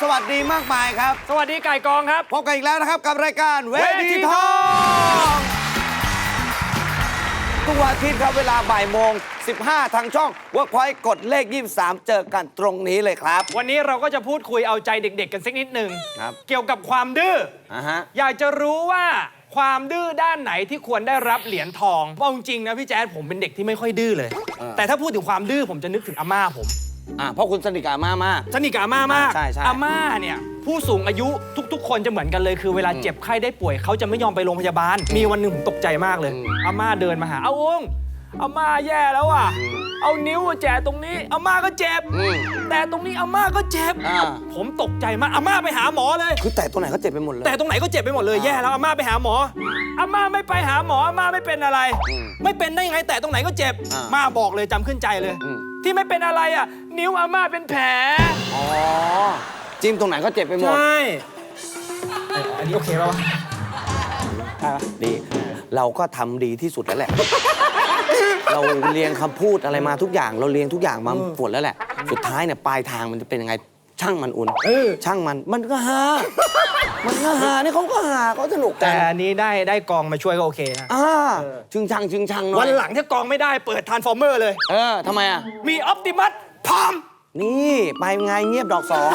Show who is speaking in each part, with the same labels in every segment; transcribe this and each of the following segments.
Speaker 1: วัสดีมากมายครับ
Speaker 2: สวัสดีไก่กองครับ
Speaker 1: พบกันอีกแล้วนะครับกับรายการเวทีทองทุกวันอาทิตย์ครับเวลาบ่ายโมง 15 ทางช่อง Workpoint กดเลข 23 เจอกันตรงนี้เลยครับ
Speaker 2: วันนี้เราก็จะพูดคุยเอาใจเด็กๆกันสักนิดหนึ่ง
Speaker 1: ครับ
Speaker 2: เกี่ยวกับความดื้อ อยากจะรู้ว่าความดื้อด้านไหนที่ควรได้รับเหรียญทองเพราะจริงๆนะพี่แจ๊ดผมเป็นเด็กที่ไม่ค่อยดื้อเลยแต่ถ้าพูดถึงความดื้อผมจะนึกถึงอาม่าผม
Speaker 1: เพราะคุณสนิทกับอาม่ามาก
Speaker 2: สนิทกับอาม่ามาก
Speaker 1: ใช่
Speaker 2: อาม่าเนี่ยผู้สูงอายุทุกๆคนจะเหมือนกันเลยคือเวลาเจ็บไข้ได้ป่วยเขาจะไม่ยอมไปโรงพยาบาลมีวันหนึ่งผมตกใจมากเลยอาม่าเดินมาหาองค์อาม่าแย่แล้วอ่ะเอานิ้วแจตรงนี้อาม่าก็เจ็บแต่ตรงนี้อาม่าก็เจ็บผมตกใจมากอาม่าไปหาหมอเลย
Speaker 1: คือแต่ตรงไหนก็เจ็บไปหมดเลย
Speaker 2: แต่ตรงไหนก็เจ็บไปหมดเลยแย่แล้วอาม่าไปหาหมออาม่าไม่ไปหาหมออาม่าไม่เป็นอะไรไม่เป็นได้ยังไงแต่ตรงไหนก็เจ็บม่าบอกเลยจำขึ้นใจเลยที่ไม่เป็นอะไรอ่ะนิ้วอาม่าเป็นแผล
Speaker 1: จิ้มตรงไหนก็เจ็บไปหมด
Speaker 2: ใช่อันนี้โอเคป่าว
Speaker 1: ดีเราก็ทำดีที่สุดแล้วแหละเราเรียงคำพูดอะไรมาทุกอย่างเราเรียงทุกอย่างมาหมดแล้วแหละสุดท้ายเนี่ยปลายทางมันจะเป็นยังไงช่างมันอุ่นช่างมันก็หานี่เขาก็หาเขาสนุก
Speaker 2: แต่อันนี้ได้กองมาช่วยก็โอเคนะ
Speaker 1: ชึงชังหน่อย
Speaker 2: วันหลังถ้ากองไม่ได้เปิดทรานส์ฟอร์เมอร์เลย
Speaker 1: ทำไมอ่ะ
Speaker 2: มีออปติมัสพร้อม
Speaker 1: นี่ไปไงเงียบดอกสอง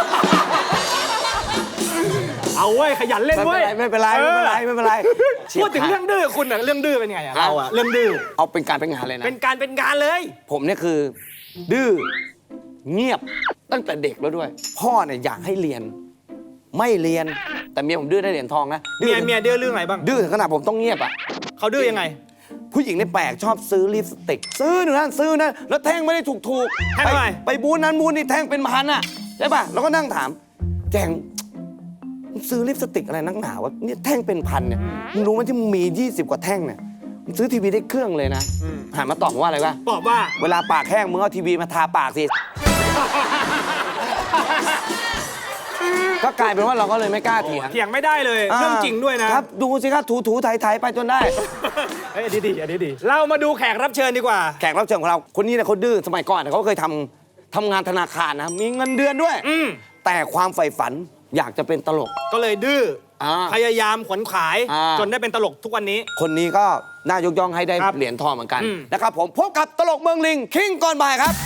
Speaker 2: เอาเว้ยขยันเล่นเว้ย
Speaker 1: ไม่เป็นไร
Speaker 2: พูดถึงเรื่องดื้อคุณอะเรื่องดื้อเป็นไงอะเราอะเรื่องดื้อ
Speaker 1: เอาเป็นการเป็นงานเลยนะ
Speaker 2: เป็นงานเลย
Speaker 1: ผมเนี่ยคือดื้อเงียบตั้งแต่เด็กแล้วด้วยพ่อเนี่ยอยากให้เรียนไม่เรียนแต่เมียผมดื้อได้เหรียญทองนะ
Speaker 2: เมียดื้อเรื่องอะไรบ้าง
Speaker 1: ดื้อถึงขนาดผมต้องเงียบอ่ะ
Speaker 2: เขาดื้อยังไง
Speaker 1: ผู้หญิงในแปลกชอบซื้อลิปสติกซื้อหนึ่งนั่นซื้อนั่นแล้วแท่งไม่ได้ถูก
Speaker 2: แท่งอะไร
Speaker 1: ไปบูนนั้นบูนนี่แท่งเป็นพันอ่ะใช่ป่ะแล้วก็นั่งถามแจงซื้อลิปสติกอะไรนักหนาวะเนี่ยแท่งเป็นพันเนี่ยมึงรู้ไหมที่มึงมี20 กว่าแท่งเนี่ยมึงซื้อทีวีได้เครื่องเลยนะหันมาตอบว่าอะไรวะ
Speaker 2: ตอบว่า
Speaker 1: เวลาปากแห้งมึงเอาทีวีมาทาปากสิก็กลายเป็นว่าเราก็เลยไม่กล้าเถียง
Speaker 2: ไม่ได้เลยเรื่องจริงด้วยนะครับ
Speaker 1: ดูสิครับถูไถไปจนได้
Speaker 2: ดีเรามาดูแขกรับเชิญดีกว่า
Speaker 1: แขกรับเชิญของเราคนนี้เนี่ยเขาดื้อสมัยก่อนเขาเคยทำงานธนาคารนะมีเงินเดือนด้วยแต่ความใฝ่ฝันอยากจะเป็นตลก
Speaker 2: ก็เลยดื้อพยายามขวนขวายจนได้เป็นตลกทุกวันนี้
Speaker 1: คนนี้ก็น่ายกย่องให้ได้เหรียญทองเหมือนกันนะครับผมพบกับตลกเมืองลิงคิงก่อนบ่ายครับ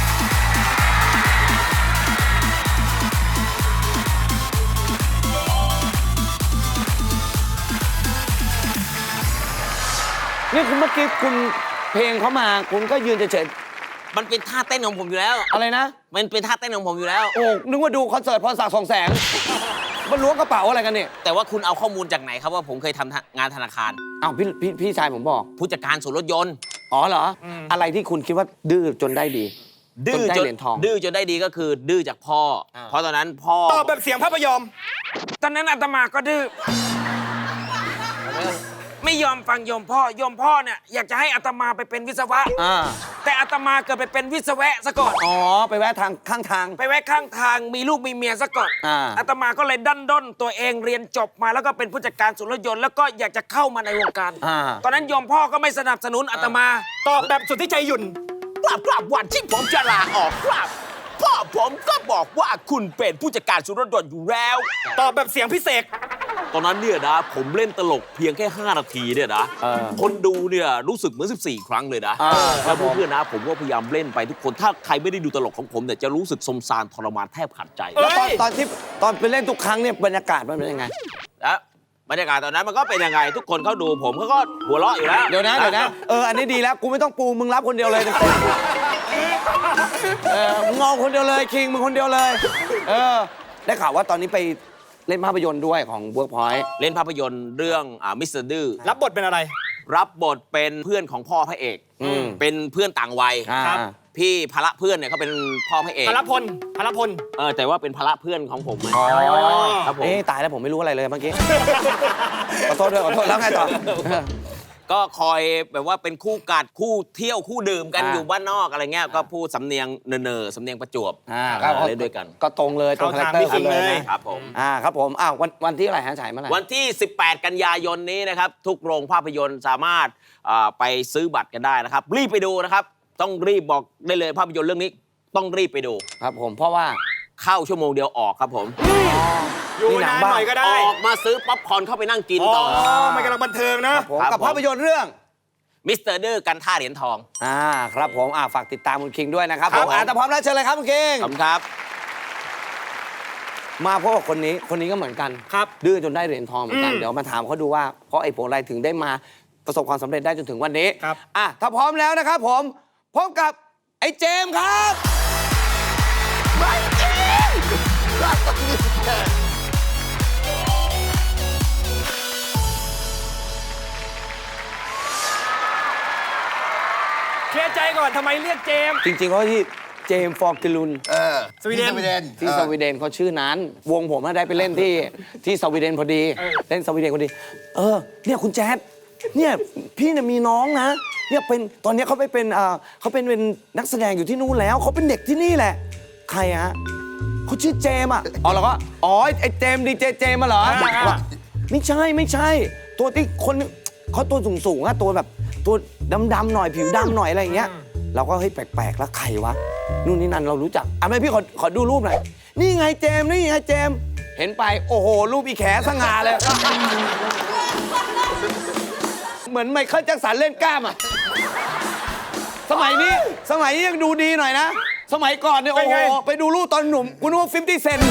Speaker 1: นี่คุณเมื่อกี้คุณเพลงเขามาคุณก็ยืนเฉย
Speaker 3: ๆมันเป็นท่าเต้นของผมอยู่แล้ว
Speaker 1: อะไรนะ
Speaker 3: มันเป็นท่าเต้นของผมอยู่แล้ว
Speaker 1: โอ้นึกว่าดูคอนเสิร์ตพรศักดิ์ 200,000มันล้วงกระเป๋าอะไรกันเนี่ย
Speaker 3: แต่ว่าคุณเอาข้อมูลจากไหนครับว่าผมเคยทำงานธนาคาร
Speaker 1: อ้าวพี่ชายผมบอก
Speaker 3: ผู้จัดการศูนย์รถยนต์
Speaker 1: เหรออะไรที่คุณคิดว่าดื้อจนได้ดี
Speaker 3: ดื้อจนได้ดีก็คือดื้อจากพ่อเพราะตอนนั้นพ่อ
Speaker 2: ตอบแบบเสียงพระพยอม
Speaker 3: ตอนนั้นอาตมาก็ดื้อไม่ยอมฟังโยมพ่อเนี่ยอยากจะให้อาตมาไปเป็นวิศวะแต่อาตมาเกิดไปเป็นวิศวะซะก่อน
Speaker 1: ไปแวะทางข้างทาง
Speaker 3: ไปแวะข้างทางมีลูกมีเมียซะก่อนอาตมาก็เลยดันด้นตัวเองเรียนจบมาแล้วก็เป็นผู้จัดการศูนย์รถยนต์แล้วก็อยากจะเข้ามาในวงการตอนนั้นโยมพ่อก็ไม่สนับสนุนอาตมา
Speaker 2: ตอบแบบสุดที่ใจหยุ่น
Speaker 3: กราบวันที่ผมจะลาออกครับพ่อผมก็บอกว่าคุณเป็นผู้จัดการศูนย์รถยนต์อยู่แล้ว
Speaker 2: ตอบแบบเสียงพิเศษ
Speaker 3: ตอนนั้นเนี่ยนะผมเล่นตลกเพียงแค่5 นาทีเนี่ยนะคนดูเนี่ยรู้สึกเหมือน14 ครั้งเลยนะแล้วเพื่อนๆนะผมก็พยายามเล่นไปทุกคนถ้าใครไม่ได้ดูตลกของผมเนี่ยจะรู้สึกสมสารทรมานแทบขาดใจ
Speaker 1: แล้วตอนไปเล่นทุกครั้งเนี่ยบรรยากาศมันเป็นยังไง
Speaker 3: บรรยากาศตอนนั้นมันก็เป็นยังไงทุกคนเขาดูผมเขาก็หัวเราะอยู่แล้ว
Speaker 1: เดี๋ยวนะอันนี้ดีแล้วกูไม่ต้องปูมึงรับคนเดียวเลยมึงงอคนเดียวเลยคิงมึงคนเดียวเลยได้ข่าวว่าตอนนี้ไปเล่นภาพยนตร์ด้วยของ Workpoint
Speaker 3: เล่นภาพยนตร์เรื่องมิสเตอร์ดื้อ
Speaker 2: รับบทเป็นอะไร
Speaker 3: รับบทเป็นเพื่อนของพ่อพระเอกเป็นเพื่อนต่างวัยพี่ภาระเพื่อนเนี่ยเขาเป็นพ่อพระเอก
Speaker 2: ภาระพล
Speaker 3: แต่ว่าเป็นภาระเพื่อนของผม
Speaker 1: ครับผมตายแล้วผมไม่รู้อะไรเลยเมื่อกี้ขอโทษแล้วไงต่อ
Speaker 3: ก็คอยแบบว่าเป็นคู่กัดคู่เที่ยวคู่ดื่มกันอยู่บ้านนอกอะไรเงี้ยก็พูดสำเนียงสำเนียงประจวบเล่นด้วยกัน
Speaker 1: ก็ตรงเลยตรงคาแรคเตอร์เลย
Speaker 3: นะครับผม
Speaker 1: ครับผมวันที่อะไรฮะฉายเมื่อไหร่
Speaker 3: วันที่18 กันยายนนี้นะครับทุกโรงภาพยนตร์สามารถไปซื้อบัตรกันได้นะครับรีบไปดูนะครับต้องรีบบอกได้เลยภาพยนตร์เรื่องนี้ต้องรีบไปดู
Speaker 1: ครับผมเพราะว่า
Speaker 3: เข้าชั่วโมงเดียวออกครับผม
Speaker 2: อยู่นานหน่อยก็
Speaker 3: อ
Speaker 2: ได้
Speaker 3: อกมาซื้อป๊อปคอร์นเข้าไปนั่งกิน
Speaker 2: อ๋อ
Speaker 3: ต่อ
Speaker 2: มันกำลังบันเทิงนะ
Speaker 1: ผม
Speaker 3: ครับ
Speaker 1: กับ
Speaker 3: ผม
Speaker 1: ภาพยนตร์เรื่อง
Speaker 3: มิสเตอร์ดื้อกันท่าเหรียญทอง
Speaker 1: ครับผมฝากติดตามคุณคิงด้วยนะครับ
Speaker 3: ค
Speaker 1: ผ
Speaker 3: รับ
Speaker 1: มถ้าพร้อมแล้วเชิญเลยครับคุณคิง
Speaker 3: ขอบคุณครับ
Speaker 1: มาเพราะว่าคนนี้ก็เหมือนกัน
Speaker 2: ครับ
Speaker 1: ดื้อจนได้เหรียญทองเหมือนกัน
Speaker 2: อืม
Speaker 1: เดี๋ยวมาถามเขาดูว่าเพราะไอ้ผลอะไรถึงได้มาประสบความสำเร็จได้จนถึงวันนี้
Speaker 2: ครับ
Speaker 1: ถ้าพร้อมแล้วนะครับผมพบกับไอ้เจมส์ครับ
Speaker 2: เคลียร์ใจก่อนทำไมเรียกเจมส์
Speaker 1: จริงๆเขาที่เจมส์ฟอร์กิลุน
Speaker 2: สวีเดน
Speaker 1: ที่สวีเดนเขาชื่อนั้น วงผมน่ะได้ไปเล่นที่สวีเดนพอดี เล่นสวีเดนพอดี เนี่ยคุณแจ๊ดเนี่ยพี่เนี่ยมีน้องนะเนี่ยเป็นตอนนี้เขาไปเป็นเขาเป็นนักแสดงอยู่ที่นู่นแล้วเขาเป็นเด็กที่นี่แหละ ใครฮะเขาชื่อเจมส์แล้วก็ไอ้เจมส์ดีเจเจมส์มาเหรอว่าไม่ใช่ตัวที่คนเขาตัวสูงอะตัวแบบตัวดำๆหน่อยผิวดำหน่อยอะไรอย่างเงี้ยเราก็เฮ้ยแปลกๆแล้วใครวะนู่นนี่นั่นเรารู้จักไม่พี่ขอดูรูปหน่อยนี่ไงเจมส์นี่ไงเจมส์เห็นไปโอ้โหรูปอีแขสง่าเลย เหมือนไมเคิลแจ็คสันเล่นกล้ามอะสมัยนี้ยังดูดีหน่อยนะ สมัยก่อนเนี่ยโอ้โหไปดูรูปตอนหนุ่มกูนึกว่า50 เซน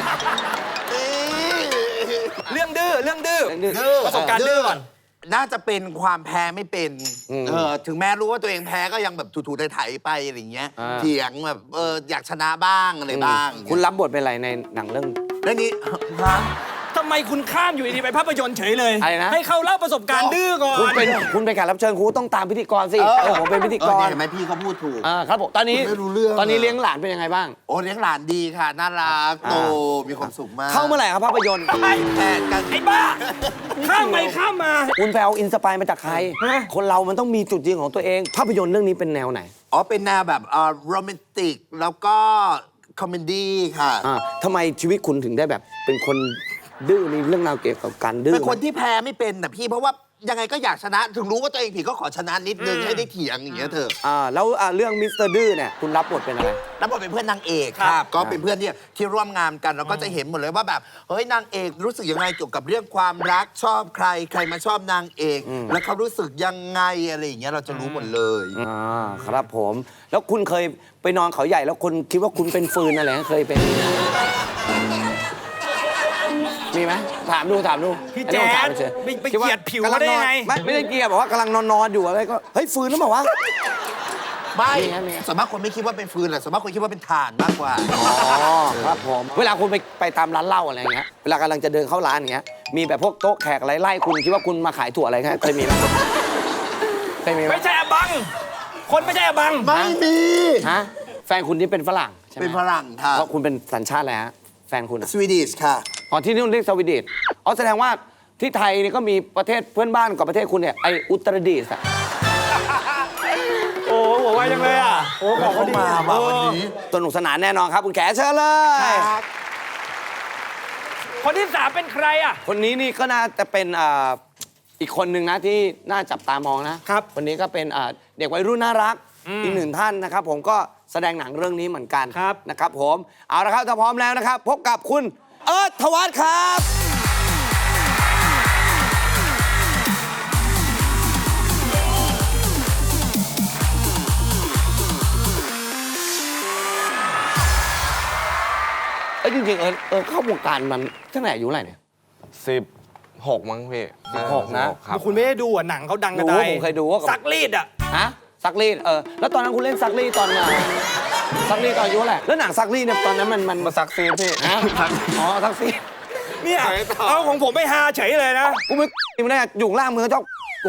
Speaker 2: เรื่องดื้อประสบการณ์ดื้อก่อน
Speaker 4: น่าจะเป็นความแพ้ไม่เป็น ถึงแม้รู้ว่าตัวเองแพ้ก็ยังแบบถูๆไถๆไปอะไรอย่างเงี้ย เถียงแบบอยากชนะบ้างอะไรบ้าง
Speaker 1: คุณรับบทเป็นอะไรในหนังเรื่อง
Speaker 4: เรื่องนี้
Speaker 2: ทำไมคุณข้ามอยู่ดีๆไปภาพยนตร์เฉยเลย
Speaker 1: อะไรนะ
Speaker 2: ให้เขาเล่าประสบการณ์ดื้อก่อน
Speaker 1: คุณเป็นแขกรับเชิญคุณต้องตามพิธีกรสิผมเป็นพิธีกร
Speaker 4: เนี่ยเห็นไหมพี่เขาพูดถูก
Speaker 1: ครับผมตอนนี้
Speaker 4: คุณไม่รู้เรื่อง
Speaker 1: ตอนนี้เลี้ยงหลานเป็นยังไงบ้าง
Speaker 4: โอ้เลี้ยงหลานดีค่ะ น่ารักโตมีความสุขมาก
Speaker 1: เข้าเมื่อไหร่ครับภาพยนตร์
Speaker 4: แพ้กัน
Speaker 2: ไอ้บ้า ข้ามไปข้ามมา
Speaker 1: คุณไปเอาอินสปายมาจากใคร คนเรามันต้องมีจุดยืนของตัวเอง ภาพยนตร์เรื่องนี้เป็นแนวไหน
Speaker 4: อ๋อเป็นแนวแบบโรแมนติกแล้วก็คอมเมดี้ค่ะ
Speaker 1: ทำไมชีวิตคุณถึงได้แบบเป็นคนดื้อในเรื่องราวเกี่ยวกับการดื้อ
Speaker 4: เป็นคนที่แพ้ไม่เป็นนะพี่เพราะว่ายังไงก็อยากชนะ ถึงรู้ว่าตัวเองผิดก็ขอชนะนิดนึงให้ได้เถียงอย่างเงี้ยเถอะ
Speaker 1: แล้วเรื่องมิสเตอร์ดื้อเนี่ยคุณรับบทเป็นอะไร
Speaker 4: แล้วบทเป็นเพื่อนนางเอก
Speaker 2: ครับ
Speaker 4: ครับก็เป็นเพื่อนที่ร่วมงานกันเราก็จะเห็นหมดเลยว่าแบบเฮ้ยนางเอกรู้สึกยังไงเกี่ยวกับเรื่องความรักชอบใครมาชอบนางเอกแล้วเขารู้สึกยังไงอะไรอย่างเงี้ยเราจะรู้หมดเลย
Speaker 1: ครับผม แล้วคุณเคยไปนอนเขาใหญ่แล้วคุณคิดว่าคุณเป็นฟืนอะไรนะเคยเป็น มีไหมถามดู
Speaker 2: พี่
Speaker 1: อัน
Speaker 2: แจ๊
Speaker 1: นี้ผมถาม
Speaker 2: ด
Speaker 1: เฉย
Speaker 2: ไป
Speaker 1: คิ
Speaker 2: เกลียดผิว
Speaker 1: กำลั
Speaker 2: เขาได้ยังไง
Speaker 1: ไม่ได้เกลียดบอกว่ากำลังนอนอยู่อะไรก็เฮ้ยฟืนหรือเปล่าวะ
Speaker 4: ไม่
Speaker 1: มีไง
Speaker 4: ส่วนมากคนไม่คิดว่าเป็นฟืนแหละส่วนมากคนคิดว่าเป็นถ่านมากกว่า
Speaker 1: ครับผมเวลาคุณไปตามร้านเหล้าอะไรอย่างเงี้ยเวลากำลังจะเดินเข้าร้านอย่างเงี้ยมีแบบพวกโต๊ะแขกอะไรไล่คุณคิดว่าคุณมาขายถั่วอะไรเคยมีไหมเคยมีไหม
Speaker 2: ไม่ใช่อบัง คนไม่ใช่อบัง
Speaker 4: ไม่มี
Speaker 1: ฮะแฟนคุณนี่เป็นฝรั่งใช่ไหม
Speaker 4: เป็นฝรั่งค่ะ
Speaker 1: เพราะคุณเป็นสัญชาติอะไรฮะแฟนคุณอะ
Speaker 4: สวีดิชค่ะ
Speaker 1: อ๋อที่นู่นเรียกสวีเดนแสดงว่าที่ไทยนี่ก็มีประเทศเพื่อนบ้านกับประเทศคุณเนี่ยไออุตรดิตถ์อะ
Speaker 2: โอ้โหหัวไวจังเลยอ่ะ โอ้ของเขาดี
Speaker 4: มาวันนี้
Speaker 1: สนุกสนานแน่นอนครับคุณแขเชิญเลย
Speaker 2: คนที่ 3 เป็นใครอ่ะ
Speaker 1: คนนี้นี่ก็น่าจะเป็นอีกคนหนึ่งนะที่น่าจับตามองนะครับ คนนี้ก็เป็นเด็กวัยรุ่นน่ารักอีกหนึ่งท่านนะครับผมก็แสดงหนังเรื่องนี้เหมือนกัน
Speaker 2: ครับ
Speaker 1: นะครับผมเอาละครับถ้าพร้อมแล้วนะครับ พบกับคุณเอิร์ธธวัฒน์ครับจริงๆเข้าวงการมันตั้งแต่อายุเท่าไหร่เนี่ย
Speaker 5: 16 มั้งพี่
Speaker 1: 16นะ
Speaker 5: ครับ
Speaker 2: คุณไม่ได้ดูอ่ะหนังเขาดังกระ
Speaker 1: ดู
Speaker 2: ได
Speaker 1: ผมเคยดูว่า
Speaker 2: ซักรีดอ่ะ
Speaker 1: ฮะซักรีดแล้วตอนนั้นคุณเล่นซักรีดตอนไหนซักรีดตอนอายุเท่าไหร่แล้วหนังซักรีดเนี่ยตอนนั้นมัน
Speaker 5: มาซักซีดพี่
Speaker 1: ฮะอ๋อซักรีด
Speaker 2: เนี่ยเอาของผมไม่ฮาเฉยเลยนะ
Speaker 1: กูไม่ได้อยู่ล่างมือเจ้า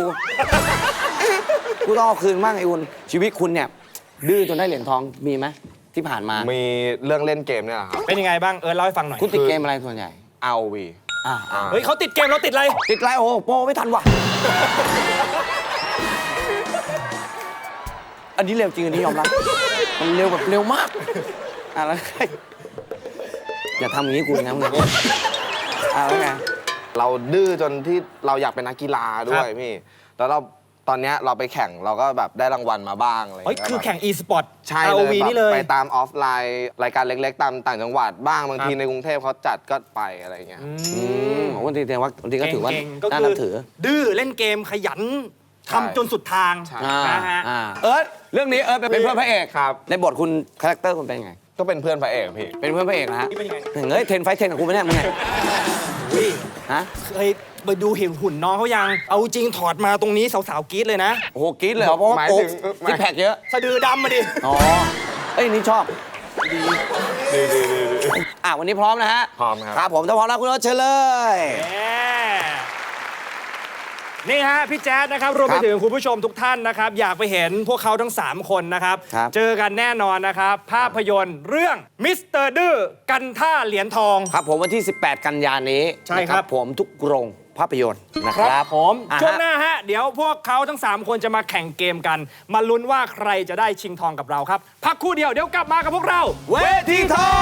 Speaker 1: กูต้องเอาคืนบ้างไอ้อุ่นชีวิตคุณเนี่ยดื้อจนได้เหรียญทองมีไหมที่ผ่านมา
Speaker 5: มีเรื่องเล่นเกมเนี่ยแหละครับ
Speaker 2: เป็นยังไงบ้างเล่าให้ฟังหน่อย
Speaker 1: คุณติดเกมอะไรส่วนใหญ่
Speaker 5: ROV
Speaker 2: เฮ้ยเขาติดเกมเราติดอะไร
Speaker 1: ติดไรโอ้โหโปรไม่ทันว่ะอันนี้เร็วจริงอันนี้ยอมรับมันเร็วแบบเร็วมากแล้วอย่าทำอย่างนี้คุณนะมึงแล้วไง
Speaker 5: เราดื้อจนที่เราอยากเป็นนักกีฬาด้วยพี่ แล้วเราตอนเนี้ยเราไปแข่งเราก็แบบได้รางวัลมาบ้างอะไรอย่าง
Speaker 2: เฮ้ย
Speaker 5: เงี้ย
Speaker 2: คือแข่ง e-sport
Speaker 5: ใช่เลย
Speaker 2: ROV
Speaker 5: แบบ
Speaker 2: นี่เลย
Speaker 5: ไปตามออฟไลน์รายการเล็กๆ ตามต่างจังหวัดบ้างบางที
Speaker 2: ครับ
Speaker 5: ในกรุงเทพเขาจัดก็ไปอะไรอย่างเงี้ย
Speaker 1: วันที่ก็ถือว่า
Speaker 2: เก่งๆก็
Speaker 1: น่า
Speaker 2: คื
Speaker 1: นั
Speaker 2: อบ
Speaker 1: ถือ
Speaker 2: ดื้อเล่นเกมขยัน
Speaker 5: ใช่
Speaker 2: ทำจนสุดทาง
Speaker 5: ใช่
Speaker 2: นะฮะ
Speaker 1: เอิร์ธเรื่องนี้เอิร์ธเป็นเพื่อนพระเอก
Speaker 5: ครับ
Speaker 1: ในบทคุณคาแรคเตอร์คุณเป็นไง
Speaker 5: ก็เป็นเพื่อนพระเอกพี่
Speaker 1: เป็นเพื่อนพระเอกนะฮะ
Speaker 2: นี่เป็นยังไง
Speaker 1: เฮ้ยเทนไฟท์เทนกับกูไหมเนี่ยมึงไง
Speaker 2: อุ้ย
Speaker 1: ฮะ
Speaker 2: เคยไปดูเห็นหุ่นน้องเขายัง เอาจริงถอดมาตรงนี้สาวๆกรี๊ดเลยนะ
Speaker 1: โอ้โหกรี๊ดเลยเหรอเพราะว่า
Speaker 5: หมาย
Speaker 1: โอ้
Speaker 5: ถึง
Speaker 1: ซิกแพคเยอะ
Speaker 2: สะดือดำมาดิ
Speaker 1: อ๋อเอ้ยนี่ชอบวันนี้พร้อมนะฮะ
Speaker 5: พร้อมครับ
Speaker 1: ครับผมถ้าพร้อมแล้วคุณโอ๊ตเชิญเลย
Speaker 2: นี่ฮะพี่แจ๊ดนะครับรวมไป
Speaker 1: ครับ
Speaker 2: ถึงคุณผู้ชมทุกท่านนะครับ อยากไปเห็นพวกเขาทั้ง 3 คนนะครับ
Speaker 1: ครับ
Speaker 2: เจอกันแน่นอนนะครับ ภาพยนตร์เรื่องมิสเตอร์ดื้อกันท่าเหรียญทอง
Speaker 1: ครับผมวันที่ 18 กันยายนนี้
Speaker 2: ใช่ครับ
Speaker 1: นะผมทุกโรงภาพยนตร์นะครับ
Speaker 2: ผม
Speaker 1: อ่าฮะ
Speaker 2: ช่วงหน้าฮะเดี๋ยวพวกเขาทั้ง 3 คนจะมาแข่งเกมกัน มาลุ้นว่าใครจะได้ชิงทองกับเราครับ พักครู่เดียวเดี๋ยวกลับมากับพวกเรา
Speaker 1: เวทีทอง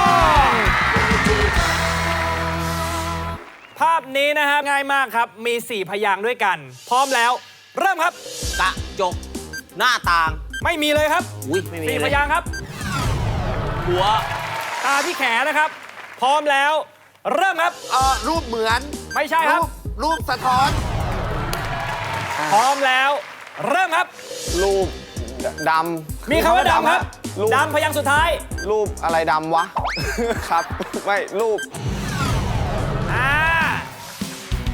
Speaker 2: ภาพนี้นะฮะง่ายมากครับ มี 4 พยางค์ด้วยกัน พร้อมแล้ว เริ่มครับ
Speaker 3: กระจกหน้าต่าง
Speaker 2: ไม่มีเลยครับ
Speaker 3: อุ้ยไม่มี
Speaker 2: 4 พ
Speaker 3: เลย
Speaker 2: ยางค์ครับ
Speaker 3: หัว
Speaker 2: ตาที่แขนนะครับ พร้อมแล้ว เริ่มครับ
Speaker 4: รูปเหมือน
Speaker 2: ไม่ใช่ครับ
Speaker 4: รูปสะท้อน
Speaker 2: พร้อมแล้ว เริ่มครับ
Speaker 5: รูปดำ
Speaker 2: มีคำว่าดำครับ
Speaker 5: รูป
Speaker 2: ดำพยางค์สุดท้าย
Speaker 5: รูปอะไรดำวะ ครับ ไม่รูป